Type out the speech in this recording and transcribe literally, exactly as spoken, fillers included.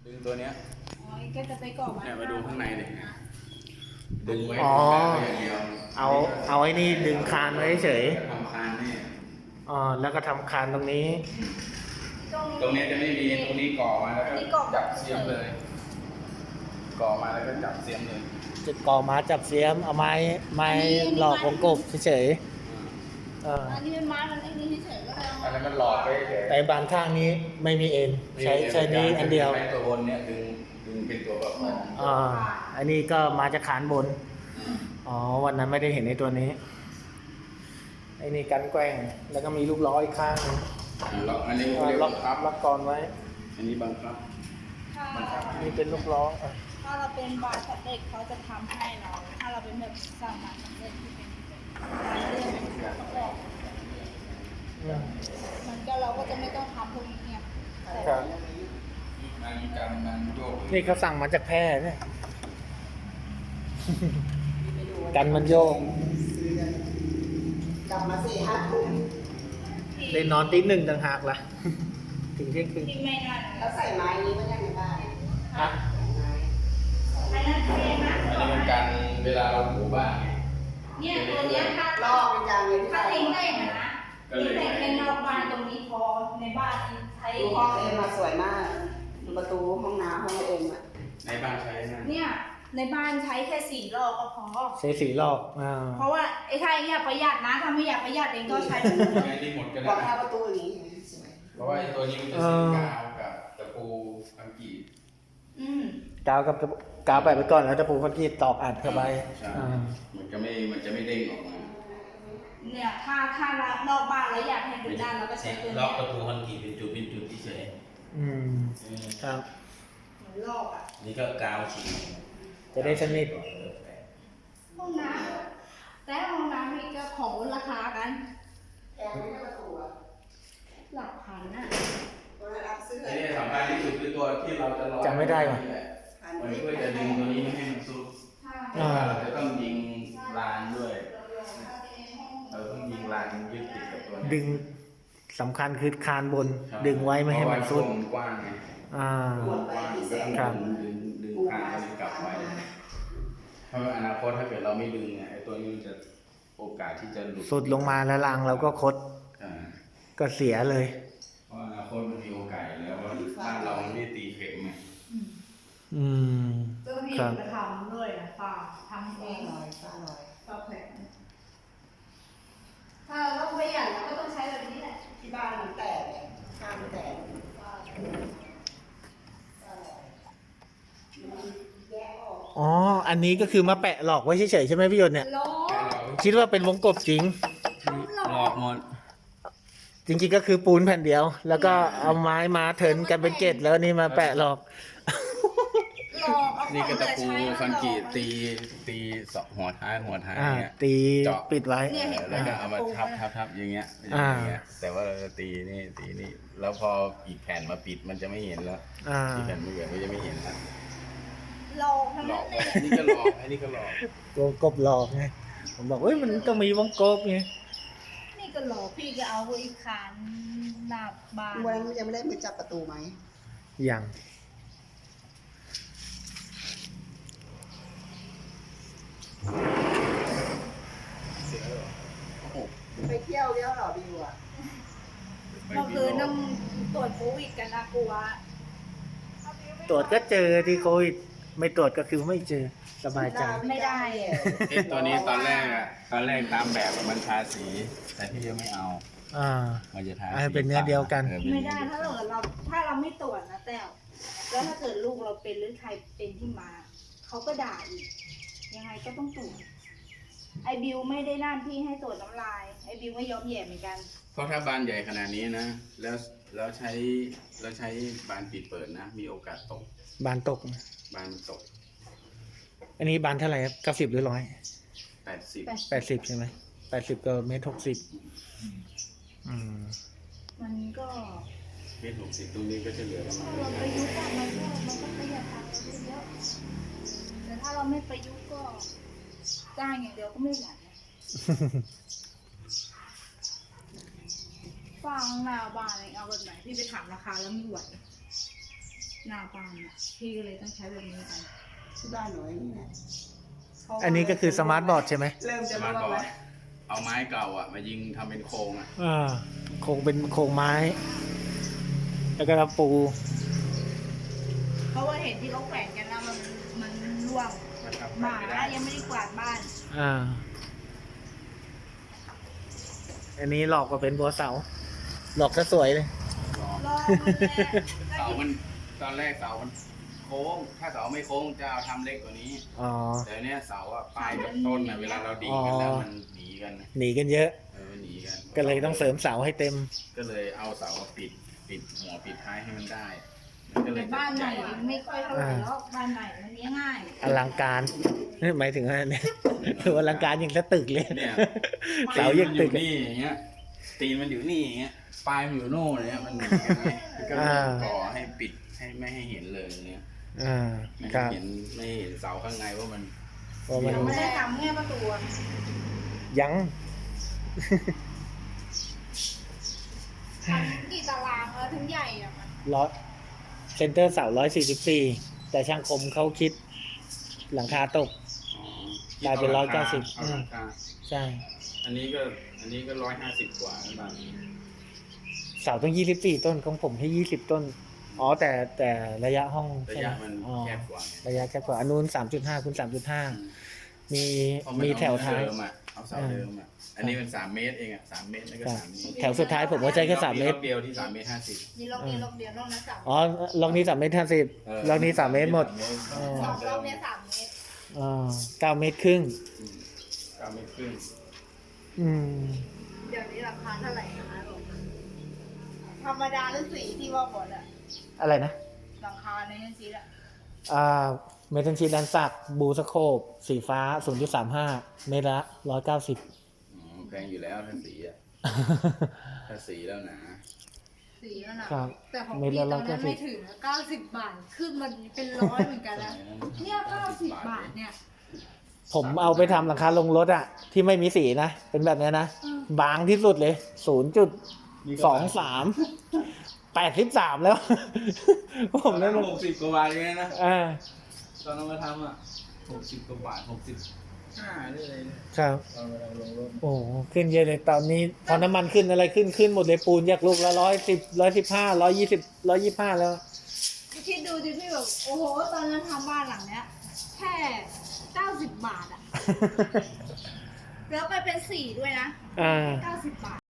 ดึงตัวเนี้ยอ๋อก็จะไปก่อเนี่ยมาดูข้างในเลยดึงไว้อ๋ออย่างเดียวเอาเอาไอ้นี่ดึงคานไว้เฉยทำคานนี่อ๋อแล้วก็ทำคานตรงนี้ตรงนี้จะไม่มีตรงนี้ก่อมาแล้วก็จับเสียมเลยก่อมาแล้วก็จับเสียมเลยจุดก่อมาจับเสียมเอาไม้ไม้หลอกวงกบเฉยๆเอออันนี้เป็นไม้มันไอ้นี่เฉยๆก็ได้อันนั้นมันหลอกไปเฉยแต่บานข้างนี้ไม่มีเอ็นใช้ใช้นี้อันเดียวใช้ตัวบนเนี่ยดึงดึงเป็นตัวประคองอ่าอันนี้ก็มาจากขานบนอ๋อวันนั้นไม่ได้เห็นในตัวนี้ไอ้นี่กันแกล้งแล้วก็มีลูกล้ออีกข้างหนึงล็อกอันนี้อ่าเรียกล็ล็ออก กครับล็อกกรไว้อันนี้บังคับถ้านี่เป็นลูกล้ออ่ะถ้าเราเป็นบาร์สำเร็จเขาจะทำให้เรา ถ้าเราเป็นแบบสั่งบาร์สำเร็จที่เป็นแบบประกอบอืมมันก็เราก็จะไม่ต้องทำพวกนี้เนี่ยครับมันการมันโยกนี่เขาสั่งมาจากแพร่เนี่ย กันมันโยกกลับมาสี่ห้าทุ่มได้นอนตีหนึ่งต่างหากล่ะ ถึงเที่ยงคืนที่ไม่นั่นแล้วใส่ไม้นี้มันยังในบ้านฮะอันนั้นเองนะอันนี้เป็นการเวลาเราถูบ้านเนี่ยตัวเนี้ยถ้าลอกเป็นจานเย็นถ้าที่ทิ้งได้นะนะทิ้งแต่แค่นอกบ้านตรงนี้พอในบ้านใช้ดูห้องเอ็มมาสวยมากดูประตูห้องน้ำห้องเอ็มอ่ะในบ้านใช้นะเนี่ยในบ้านใช้แค่สี่รอบก็พอใช้สีลอกอ่าเพราะว่าไอ้ถ้าไอ้เนี่ยประหยัดนะถ้าไม่อยากประหยัดเองก็ใช้แบบนี้ใช้ที่หมดก็บอได้กหน้าประตูอย่างนี้สวยเพราะว่าไอ้ตัวนี้มันจะสีกาวกับตะปูอังกฤษอืมกาวกับกาวไปไปก่อนแล้วจะปูพักกี้ตอกอัดเข้าไปใช่อ่ามันจะไม่มันจะไม่เด้งออกมาเนี่ยถ้าถ้านอกบ้านแล้วอยากให้เป็นด้านเราก็ใช้ตัวล็เนี้อกยประตูคอนกรีตเป็นจุดเป็นจุดเฉยอืมครับเหมือนลอกอ่ะๆนี่ก็กาวฉีดจะได้สนิทห้องน้ำแต่ห้องน้ำนี่ก็ของลดราคากันแกงไม่ประตูอ่ะหลักพันน่ะตัวนั้นรับซื้อไอ้นี่สำคัญที่สุดคือตัวที่เราจะรอจำไม่ได้ว่ะพันมันที่เพื่อจะดึงตัวนี้ไม่ให้มันซุดอ่าเราจะต้องยิงรานด้วย เราต้องยิงรานยึดติดกับตัวนี้ดึงสำคัญคือคานบน ดึงไว้ไม่ให้มันซุดเพราะว่าช่วงกว้างไงอ่าหมดไปกี่แสนครับดึงดึงคานตัวนี้กลับไว้เพราะว่าอนาคตถ้าเกิดเราไม่ดึงเนี่ยไอ้ตัวนี้มันจะโอกาสที่จะหลุดสุดลงมาแล้วรางเราก็คดอ่าก็เสียเลยเพราะอนาคตมันมีโอกาสอยู่แล้วว่าบ้านเรามันไม่ตีเข็มไงอืมเจ้าหน้าที่ครับมาทำด้วยนะป้าทำเอฟ้าง ลอยฟ้าลอยก็แพงถ้าเราต้องประหยัดเราก็ต้องใช้แบบนี้แหละที่บ้านมันแตกเนี่ยข้างมันแตกฟ้าลอยมันแยกออกอ๋อ อันนี้ก็คือมาแปะหลอกไว้เฉยๆใช่ไหมพี่ยนต์เนี่ยล้อคิดว่าเป็นวงกบจริงหลอกหมดจริงๆก็คือปูนแผ่นเดียว แล้วก็เอาไม้มาเทิร์นกันเป็นเกตแล้วนี่มาแปะหลอกหลอกเอานี่ก็ตะปูของเหลือคอนกรีตใช้ตีตีสองหัวท้ายหัวท้ายอ่าเนี่ยตีเจาะปิดไว้เนี่ยเห็นไหมแล้วก็เอามาทับทับทับอย่างเงี้ยอย่างเงี้ยแต่ว่าเราจะตีนี่ตีนี่แล้วพออีกแผ่นมาปิดมันจะไม่เห็นแล้วอ่าอีกแผ่นไม่เหลือมันจะไม่เห็นแล้วหลอกทั้งหลนั้อน กเลยอันนี้ก็หลอกอันนี้ก็หลอกวงกบหลอกไง ผมบอกเฮ้ยมันต้องมีวงกบไงนี่ก็หลอกพี่ก็เอาไว้ขานหน้าบ้านวันนั้นยังไม่ได้มือจับประตูไหมยังไปเที่ยวเที่ยวเหรอบิวอ่ะเมื่อคืนต้องตรวจโควิดกันนะกลัวตรวจก็เจอที่โควิดไม่ตรวจก็คือไม่เจอสบายใจไม่ได้เอ๊ะตัวนี้ตอนแรกอะตอนแรกตามแบบมันทาสี แต่พี่ยังไม่เอาอ่ามันจะทาอ่าเป็นเนื้อเดียวกันออเป็นไม่เนื้อได้ถ้าเยวเกิดเราถ้าเราไม่ตรวจนะแต้วแล้วถ้าเกิดลูกเราเป็นหรือใครเป็นที่มาเขาก็ด่าอีกยังไงก็ต้องตรวจไอบิวไม่ได้หน้าที่ให้ตรวจน้ำลายไอบิวไม่ยอมแย่เหมือนกันเพราะถ้าบานใหญ่ขนาดนี้นะ แล้วแล้วใช้แล้วใช้บานปิดเปิดนะ มีโอกาสตกบานตกบานมันตกอันนี้บานเท่าไหร่ครับเก้าสิบหรือร้อยแปดสิบแปดสิบใช่ไหมแปดสิบก็เมตรหกสิบอืมมันก็เมตรหกสิบตรงนี้ก็จะเหลือประมาณเราประยุกต์อะมันก็มันก็ประหยัดตังค์เราเยอะแต่ถ้าเราไม่ประยุกต์ก็จ้างอย่างเดียวก็ไม่ไหวฟังหน้าบ้านเองเอาแบบไหนพี่ไปถามราคาแล้วไม่ไหวหน้าบ้านอ่ะพี่ก็เลยต้องใช้แบบนี้กันที่บ้านหนูนี่แหละเพราะว่าอันนี้ก็คือสมาร์ทบอร์ดใช่ไหมเริ่มสจะมาร์ทร่วงบอร์แล้ดวเอาไม้เก่าอ่ะมายิงทำเป็นโครงอ่ะอ่าโครงเป็นโครงไม้ แล้วก็ปูเพราะว่าเห็นที่เขาแขวนกันแล้วมันมันร่วงมันทำหมาไม่ได้ยังไม่ได้กวาดบ้านอ่า อันนี้หลอกก็เป็นบัวเสา หลอกซะสวยเลยรอมันแหละเสามันตอนแรกเสามันโค้ง ถ้าเสาไม่โค้งจะเอาทำเล็กกว่านี้อ๋อแต่เนี้ยเสาอะปลายกับต้นอะเวลาเราดีดกันแล้วมันหนีกันนะหนีกันเยอะเออหนีกันก็เลยต้องเสริมเสาให้เต็มก็เลยเอาเสามาปิดปิดหัวปิดท้ายให้มันได้ มันก็เลแต่ยบ้านไหนไม่ค่อยเท่าไหร่หรอกบ้านไหนมันเลี้ยงง่ายอลังการหมายถึงอะไรเนี่ยคืออลังการอย่างกับตึกเลยเนี่ยเสายังตึกตีนมันอยู่นี่อย่างเงี้ย ตีนมันอยู่นี่อย่างเงี้ย ปลายมันอยู่โน่นเนี่ยมันหนีกันไงก็เลยก่อให้ปิดให้ไม่ให้เห็นเลยเนี่ยอ่าไม่คให้รับเห็นไม่ให้เห็นเสาข้างในว่ามันเพราะมันยังไม่ได้ทำแค่ประตูอะยังทำกี่ตารางแล้วถึงใหญ่อะมันร้อยเซนเตอร์เสาร้อยสี่สิบสี่แต่ช่างคมเขาคิดหลังคาตก กลายเป็นร้อยเก้าสิบเอาราคาใช่อันนี้ก็อันนี้ก็ร้อยห้าสิบกว่าแล้วบางเสาต้องยี่สิบสี่ต้นของผมให้ยี่สิบต้น อ๋อแต่แต่ระยะห้องระใช่ไหมยะมันอ๋อแคบกว่าไงระยะแคบกว่าอันนู้นสามจุดห้าคูณสามจุดห้ามีเพราะนมีแถวท้ายเอเดิมอะเอาเสาเดิมอะอันนี้เป็นสามเมตรเองอะสามเมตรแล้วก็ครับสามเมตรแถวสุดท้ายผมก็ใช้แค่สามเมตรอบเดียวที่สามเมตรห้าสิบมีล็อกนี้ล็อกเดียวล็อกนั้นสามอ๋อล็อกนี้สามเมตรห้าสิบล็อกนี้สามเมตรหมดเออสองล็อกเนี้ยสามเมตรอ่าเก้าเมตรครึ่งอืมเก้าเมตรครึ่งอืมเดี๋ยวนี้ราคาเท่าไหร่นะคะลูกธรรมดาหรือสีที่ว่าหมดอะอะไรนะราคาในนั้นสีอะอ่าเมทัลชีดันสักบูสโคปสีฟ้า ศูนย์จุดสามห้า เมตรละร้อยเก้าสิบอ๋อแพงอยู่แล้วถ้าสีอะถ้าสีแล้วหนาสีนั่นน่ะครับแต่ของเมตรพี่ละตอนนั้นร้อยเก้าสิบไม่ถึงเก้าสิบบาทขึ้นมันเป็นร้อยเหมือนกันนะเนี่ยเก้าสิบบาทเนี่ยผมเอาไปทำหลังคาลงรถอะที่ไม่มีสีนะ เป็นแบบเนี้ยนะอืมบางที่สุดเลย ศูนย์จุดสองสาม แปดสิบสามแล้ว ผผม มนั่นั้นนหกสิบกว่าบาทเองนะอ่าตอนเรามาทำอ่ะหกสิบกว่าบาทหกสิบห้าได้เลยเนี่ยครับตอนเราลงรถโอ้โหขึ้นเยอะเลยตอนนี้ พอน้ำมันขึ้นอะไรขึ้นขึ้นหมดเลยปูนจากลูกละร้อยสิบร้อยสิบห้าร้อยยี่สิบร้อยยี่ห้าแล้วคิดดูดิพี่แบบโอ้โหตอนนั้นทำบ้านหลังเนี้ย แค่เก้าสิบบาทอะแล้วไปเป็นสีด้วยนะอ่าเก้าสิบบาท